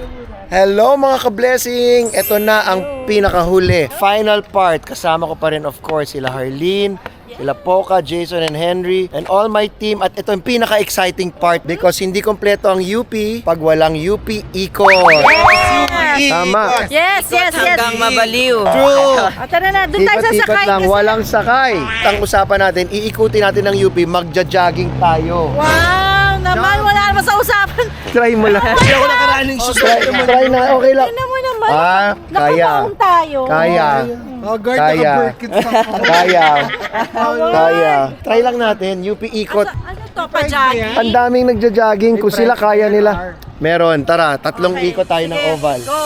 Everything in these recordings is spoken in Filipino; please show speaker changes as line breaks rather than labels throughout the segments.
Hello mga ka-blessing! Ito na ang pinakahuli. Final part. Kasama ko pa rin of course sila Harleen, sila Poca, Jason and Henry, and all my team. At ito yung pinaka-exciting part because hindi kompleto ang UP pag walang UP Eco. Tama.
Yes.
Hanggang mabaliw.
True.
Tara na, doon tayo
Ikot-ikot
sasakay.
lang, walang sakay. Ang usapan natin, iikutin natin ng UP, magja-jogging tayo.
Wow, naman, wala naman sa usapan.
Try mo lang.
Hindi ako nakaraning
Try na, okay lang.
Ano mo naman,
Ah, kaya.
nakabaon tayo.
Kaya. Kaya. Kaya. Try lang natin, UP ikot.
Ano to, pa-jogging?
Ang daming nagja-jogging, kung sila kaya nila. Meron, tara, 3 ikot tayo ng
Sige,
oval.
Go.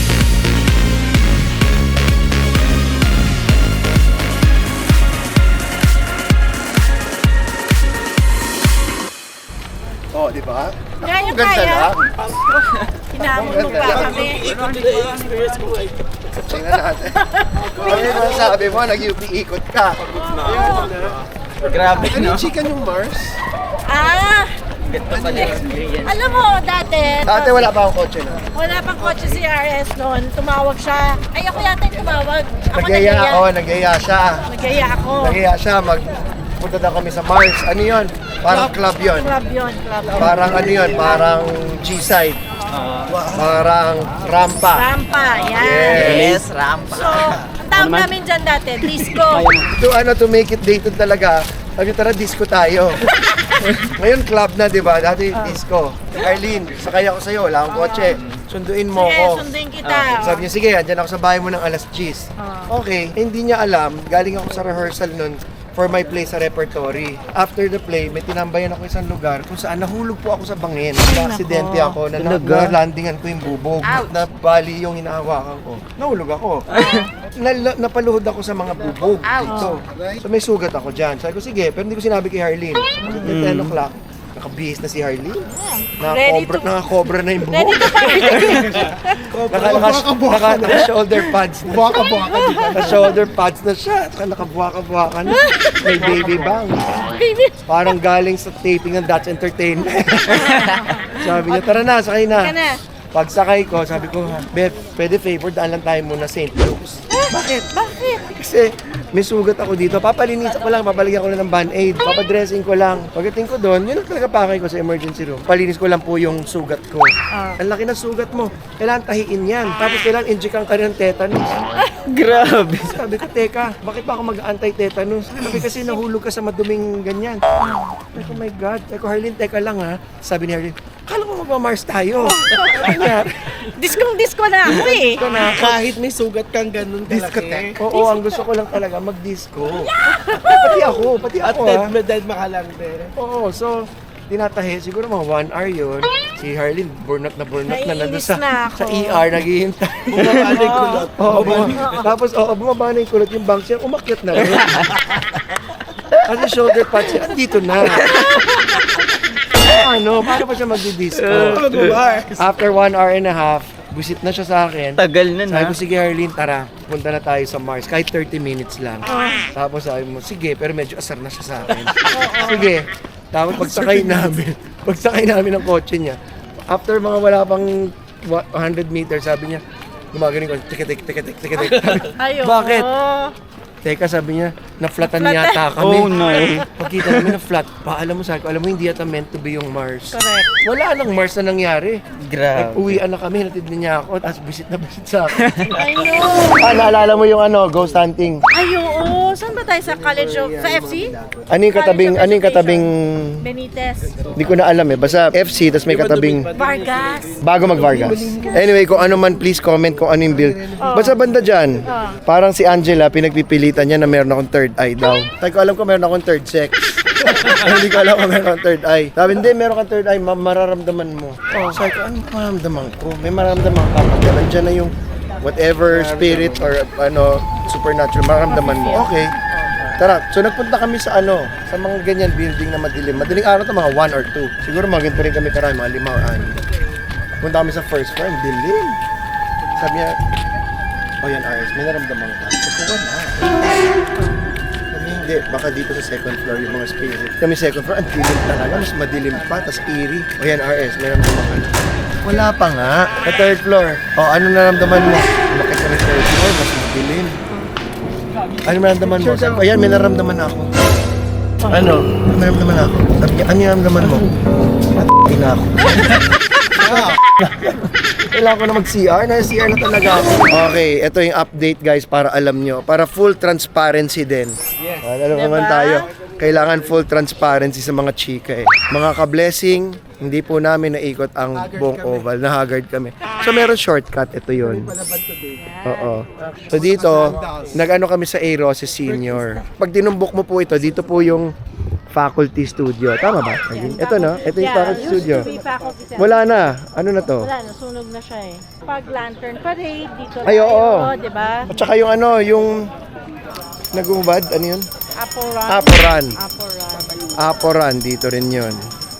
Oh, di ba?
Kaya,
Ang ganda
kaya.
lang.
Hinamon mo pa kami.
Tingnan natin. Ano yung sabi mo, nag-UP ikot ka.
Grabe,
Ano
no?
yung chicken yung Mars?
Ganda pala yung experience.
Alam mo, dati
Wala pa akong kotse na.
wala pang kotse si RS noon. Tumawag siya. Ay, ako yata yung tumawag. Ako
Nagyaya ako, nagyaya siya.
Nagyaya ako.
Nagyaya siya, punta daw kami sa Mars. Ano yun? Parang club yun.
Club yun.
Parang ano yun? Parang G-side. Parang rampa.
Rampa, yan.
Yes, rampa.
So, ang tawag namin dyan dati, disco.
To make it dated talaga, sabi tara disco tayo. Ngayon club na, di ba? Dati disco. Arlene, sakay ako sa'yo, wala akong kotse. Sunduin mo
Sige,
ko.
sunduin kita.
Sabi niya, sige, andyan ako sa bahay mo ng alas 10. Okay, hindi niya alam, galing ako sa rehearsal nun for my play sa repertory. After the play, may tinambayan ako isang lugar kung saan nahulog po ako sa bangin. Aksidente ako, na-landingan ko yung bubog. Nabali yung hinahawakan ko. Nahulog ako. Napaluhod ako sa mga bubog dito. So may sugat ako dyan. Sabi ko, sige, pero hindi ko sinabi kay Harleen. So, 10 o'clock, nakabihis na si Harleen. Nakakobra na yung buhok.
Ready to party.
Naka-shoulder pads na. Naka-shoulder pads na siya. Nakabuwaka-buwaka na. May baby bang. Parang galing sa taping ng Dutch Entertainment. Sabi niya, tara na, sakay
Ka
na.
na.
Pagsakay ko, sabi ko, Beth, pwede favor, daan lang tayo muna St. Luke's. Bakit? Kasi may sugat ako dito. Papalinisan ko lang, papalagyan ko lang ng band-aid. Papadressing ko lang. Pagdating ko doon, yun ang talaga pakay ko sa emergency room. Palinis ko lang po yung sugat ko. Ang laki ng sugat mo. Kailangan tahiin yan. Tapos kailangan injectan ka rin ng tetanus.
Grabe.
Sabi ko, teka, bakit ba ako mag-anti-tetanus? Sabi kasi nahulog ka sa maduming ganyan. Sabi ko, oh my God. Sabi ko, Harleen, teka lang ha. Sabi ni Harleen, kala mo magmamars tayo.
Disco na ako eh.
Ito na,
Kahit may sugat kang ganun
discotheque.
kalaki.
Oo, ang gusto ko lang talaga mag-disco. Pati ako
At
ha.
dead makalang din.
Oo, so tinatahi, siguro mga 1 hour yun. Si Harleen, burnout na nandun
Naiinis na ako.
sa ER, naghihintay.
Bumaba na yung kulot.
Oo, tapos bumaba na yung kulot yung bank siya, umakyat na rin. Kasi shoulder pads siya, andito na. Paano pa siya magdi-disco? After 1 hour and a half, busit na siya sa akin.
Tagal na
Sabi
na.
ko, sige Harleen, tara, punta na tayo sa Mars. Kahit 30 minutes lang. Tapos sabi mo, sige, pero medyo asar na siya sa akin. Sige. Tapos pagsakay namin ng kotse niya, after mga wala pang 100 meters, sabi niya, gumagaling ko, tikitik.
Ayun.
Bakit? Teka, sabi niya, na-flatan yata kami.
Oh no.
Pagkita namin na flat pa, alam mo hindi yata meant to be yung Mars.
Correct.
Wala nang Mars na nangyari.
Grabe.
Uwian na kami, natid niya ako, tapos visit sa akin.
I know.
Naalala mo yung ghost hunting?
Ay, oo. Saan ba tayo? Sa College of... Sa FC?
Ano yung katabing,
Benitez.
hindi ko na alam basta FC, tapos may katabing,
Vargas.
bago mag-Vargas. Anyway, kung ano man, please comment kung ano yung build. Basta banda dyan, parang si Angela, pinagpipilitan niya na meron akong third eye daw. Tayo ko alam ko meron akong third sex. Hindi ko alam kung meron akong third eye. Sabi, hindi, meron kang third eye, mararamdaman mo. Sabi ko, ano mararamdaman ko? May mararamdaman ka. Pag nandiyan na yung whatever spirit or supernatural, mararamdaman mo. Okay. Tara, so nagpunta kami sa sa mga ganyan building na madilim. Madaling araw to mga 1 or 2. Siguro maginto rin kami karami, mga 5 or 6. Punta kami sa first floor, ang dilim. Sabi niya, yan Ayos, may naramdaman ka. Sabi ko, wala. Sabi hindi, baka dito sa second floor yung mga spirit. Kami second floor, ang dilim talaga, mas madilim pa, tas eerie. Yan RS, may naramdaman ka. Wala pa nga. Sa third floor. O, ano naramdaman mo? Bakit ka na third floor? Mas madilim. Ano naramdaman mo? Sabi ko, ayan, may naramdaman ako. Ano? May naramdaman ako. Sabi niya, ano yung naramdaman mo? Na ako. Kailangan ko na mag-CR. Na-CR na talaga ako. Okay, ito yung update guys para alam nyo. Para full transparency din. Yes. Alam naman tayo. Kailangan full transparency sa mga chika eh. Mga ka-blessing, hindi po namin naikot ang buong oval. Na-haggard kami. So meron shortcut. Ito yun. Oo. So dito, nag-ano kami sa A. Roses Senior. Pag tinumbok mo po ito, dito po yung faculty studio. Tama ba? Ito no? Ito yung faculty studio. Wala na. Ano na to?
Wala, nasunog na siya eh. Pag lantern parade, dito
Ay, oo.
di ba?
At saka yung ano, yung nagumubad, ano yun?
Aporan.
Aporan, dito rin yun.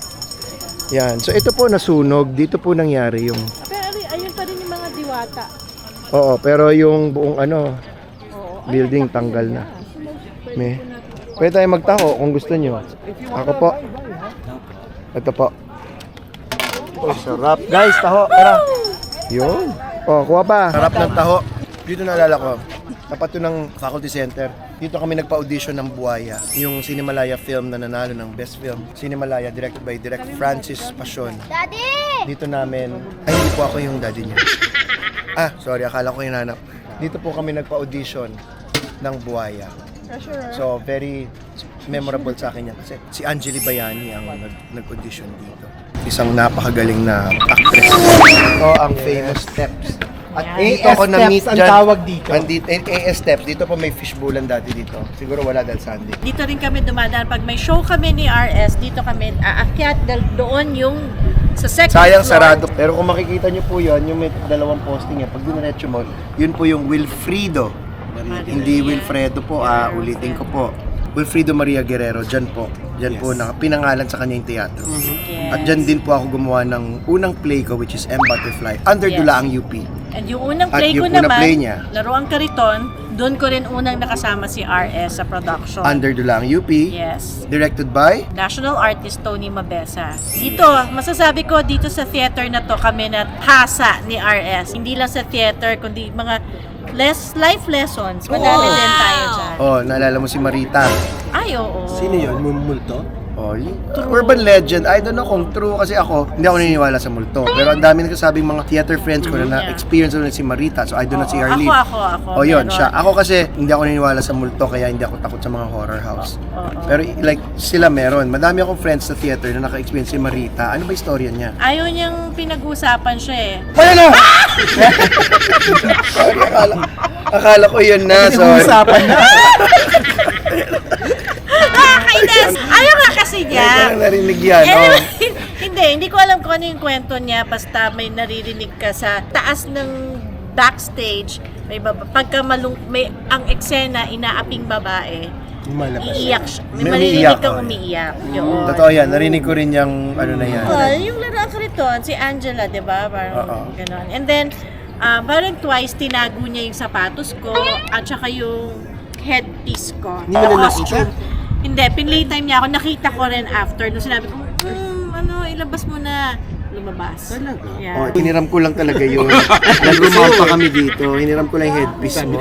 Yan. So ito po nasunog. Dito po nangyari yung...
Pero ayun pa rin yung mga diwata.
Oo, pero yung buong ano,
Oo.
building tanggal na. May... Pwede tayo magtaho kung gusto nyo. Ako po. Ito po. Oh, sarap. Guys, taho. Tara. Yun. Oh, kuha pa. Sarap ng taho. Dito naalala ko. Tapat to ng faculty center. Dito kami nagpa-audition ng Buhaya. Yung Cinemalaya film na nanalo ng best film. Cinemalaya, directed by Direk Francis Pasion.
Daddy!
Dito namin, ay hindi po ako yung daddy niya. Ah, sorry, akala ko yung nanap. Dito po kami nagpa-audition ng Buhaya. So, very memorable sa akin yan kasi si Angeli Bayani ang nag-audition dito. Isang napakagaling na actress. Ito ang famous steps. At dito ako na-meet
ang
dyan.
tawag dito.
AS steps. Dito po may fishbowlan dati dito. Siguro wala dahil Sunday.
Dito rin kami dumadaan. Pag may show kami ni RS, dito kami aakyat doon yung sa second
Sayang
floor.
sarado. Pero kung makikita nyo po yun, yung may dalawang posting yan, pag diniretso mo, yun po yung Wilfrido. Hindi Wilfredo po, ulitin ko po. Wilfrido Maria Guerrero, dyan po. Dyan po, pinangalan sa kanya yung teatro.
Yes.
At dyan din po ako gumawa ng unang play ko, which is M. Butterfly, under
Yes.
Dulaang UP.
And yung unang
At
play ko
yung unang
naman,
play niya.
Laruang Kariton, doon ko rin unang nakasama si RS sa production.
Under Dulaang UP,
Yes.
directed by
National Artist Tony Mabesa. Dito, masasabi ko dito sa theater na to kami na hasa ni RS. Hindi lang sa theater, kundi mga life lessons. Madami din tayo dyan.
Oh, naalala mo si Marita.
Ay, oo.
Sino yun? Multo?
Oh, urban legend. I don't know kung true kasi ako, hindi ako naniniwala sa multo. Pero ang dami nagsasabing mga theater friends ko na na-experience ko na si Marita. So I do not see her leave.
Ako.
Oh, yun,
Meron.
siya. Ako kasi hindi ako naniniwala sa multo kaya hindi ako takot sa mga horror house. Pero like sila meron. Madami akong friends sa theater na naka-experience si Marita. Ano ba istorya niya?
Ayaw niyang pinag-usapan siya eh.
Wala na! Sorry, akala ko yun na. Sorry.
Usapan na.
Kainis! Ayaw nga kasi niya.
Hindi ko narinig yan.
Eh,
Oh.
hindi ko alam kung ano yung kwento niya. Basta may naririnig ka sa taas ng backstage. May pagka may ang eksena, inaaping babae. Iiyak siya. May
May
maririnig
umiiyak,
kang
oh.
umiiyak. Yun.
Totoo yan. Narinig ko rin yung ano na yan.
Yung laruan ko rito, si Angela, di ba? Parang
Oo.
gano'n. And then, parang twice tinago niya yung sapatos ko at saka yung headpiece ko.
Hindi mo na nakita?
Hindi, pinlaytime niya ako. Nakita ko rin after. Nung sinabi ko, ilabas mo na. Lumabas.
Talaga?
Yeah.
Oh, hiniram ko lang talaga yun. Nag-rumount pa kami dito. Hiniram ko lang yung headpiece mo.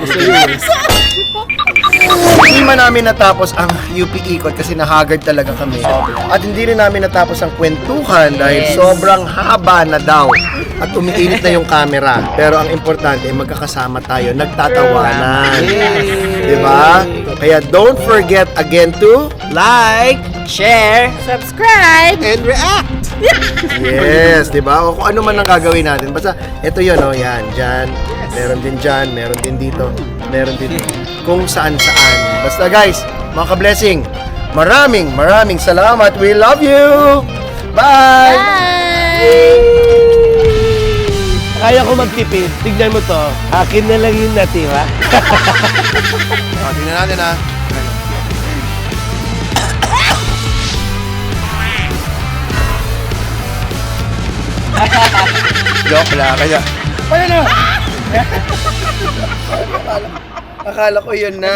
Hindi man namin natapos ang UP Ikot kasi nahagard talaga kami. At hindi rin namin natapos ang kwentuhan dahil sobrang haba na daw. At umiinit na yung camera. Pero ang importante, magkakasama tayo, nagtatawanan. Diba? Kaya don't forget again to
Like, share,
Subscribe!
And react!
yes, di ba? O kung ano man ang gagawin natin. Basta, ito yun, oh, yan, dyan. Meron din dyan, meron din dito. Meron din kung saan-saan. Basta guys, mga ka-blessing, maraming salamat. We love you! Bye!
Kaya ko magtipid. Tignan mo to. Akin na lang yung natira.
O, tingnan natin ha. Joke lang. Kaya, wala na! Akala ko yun na.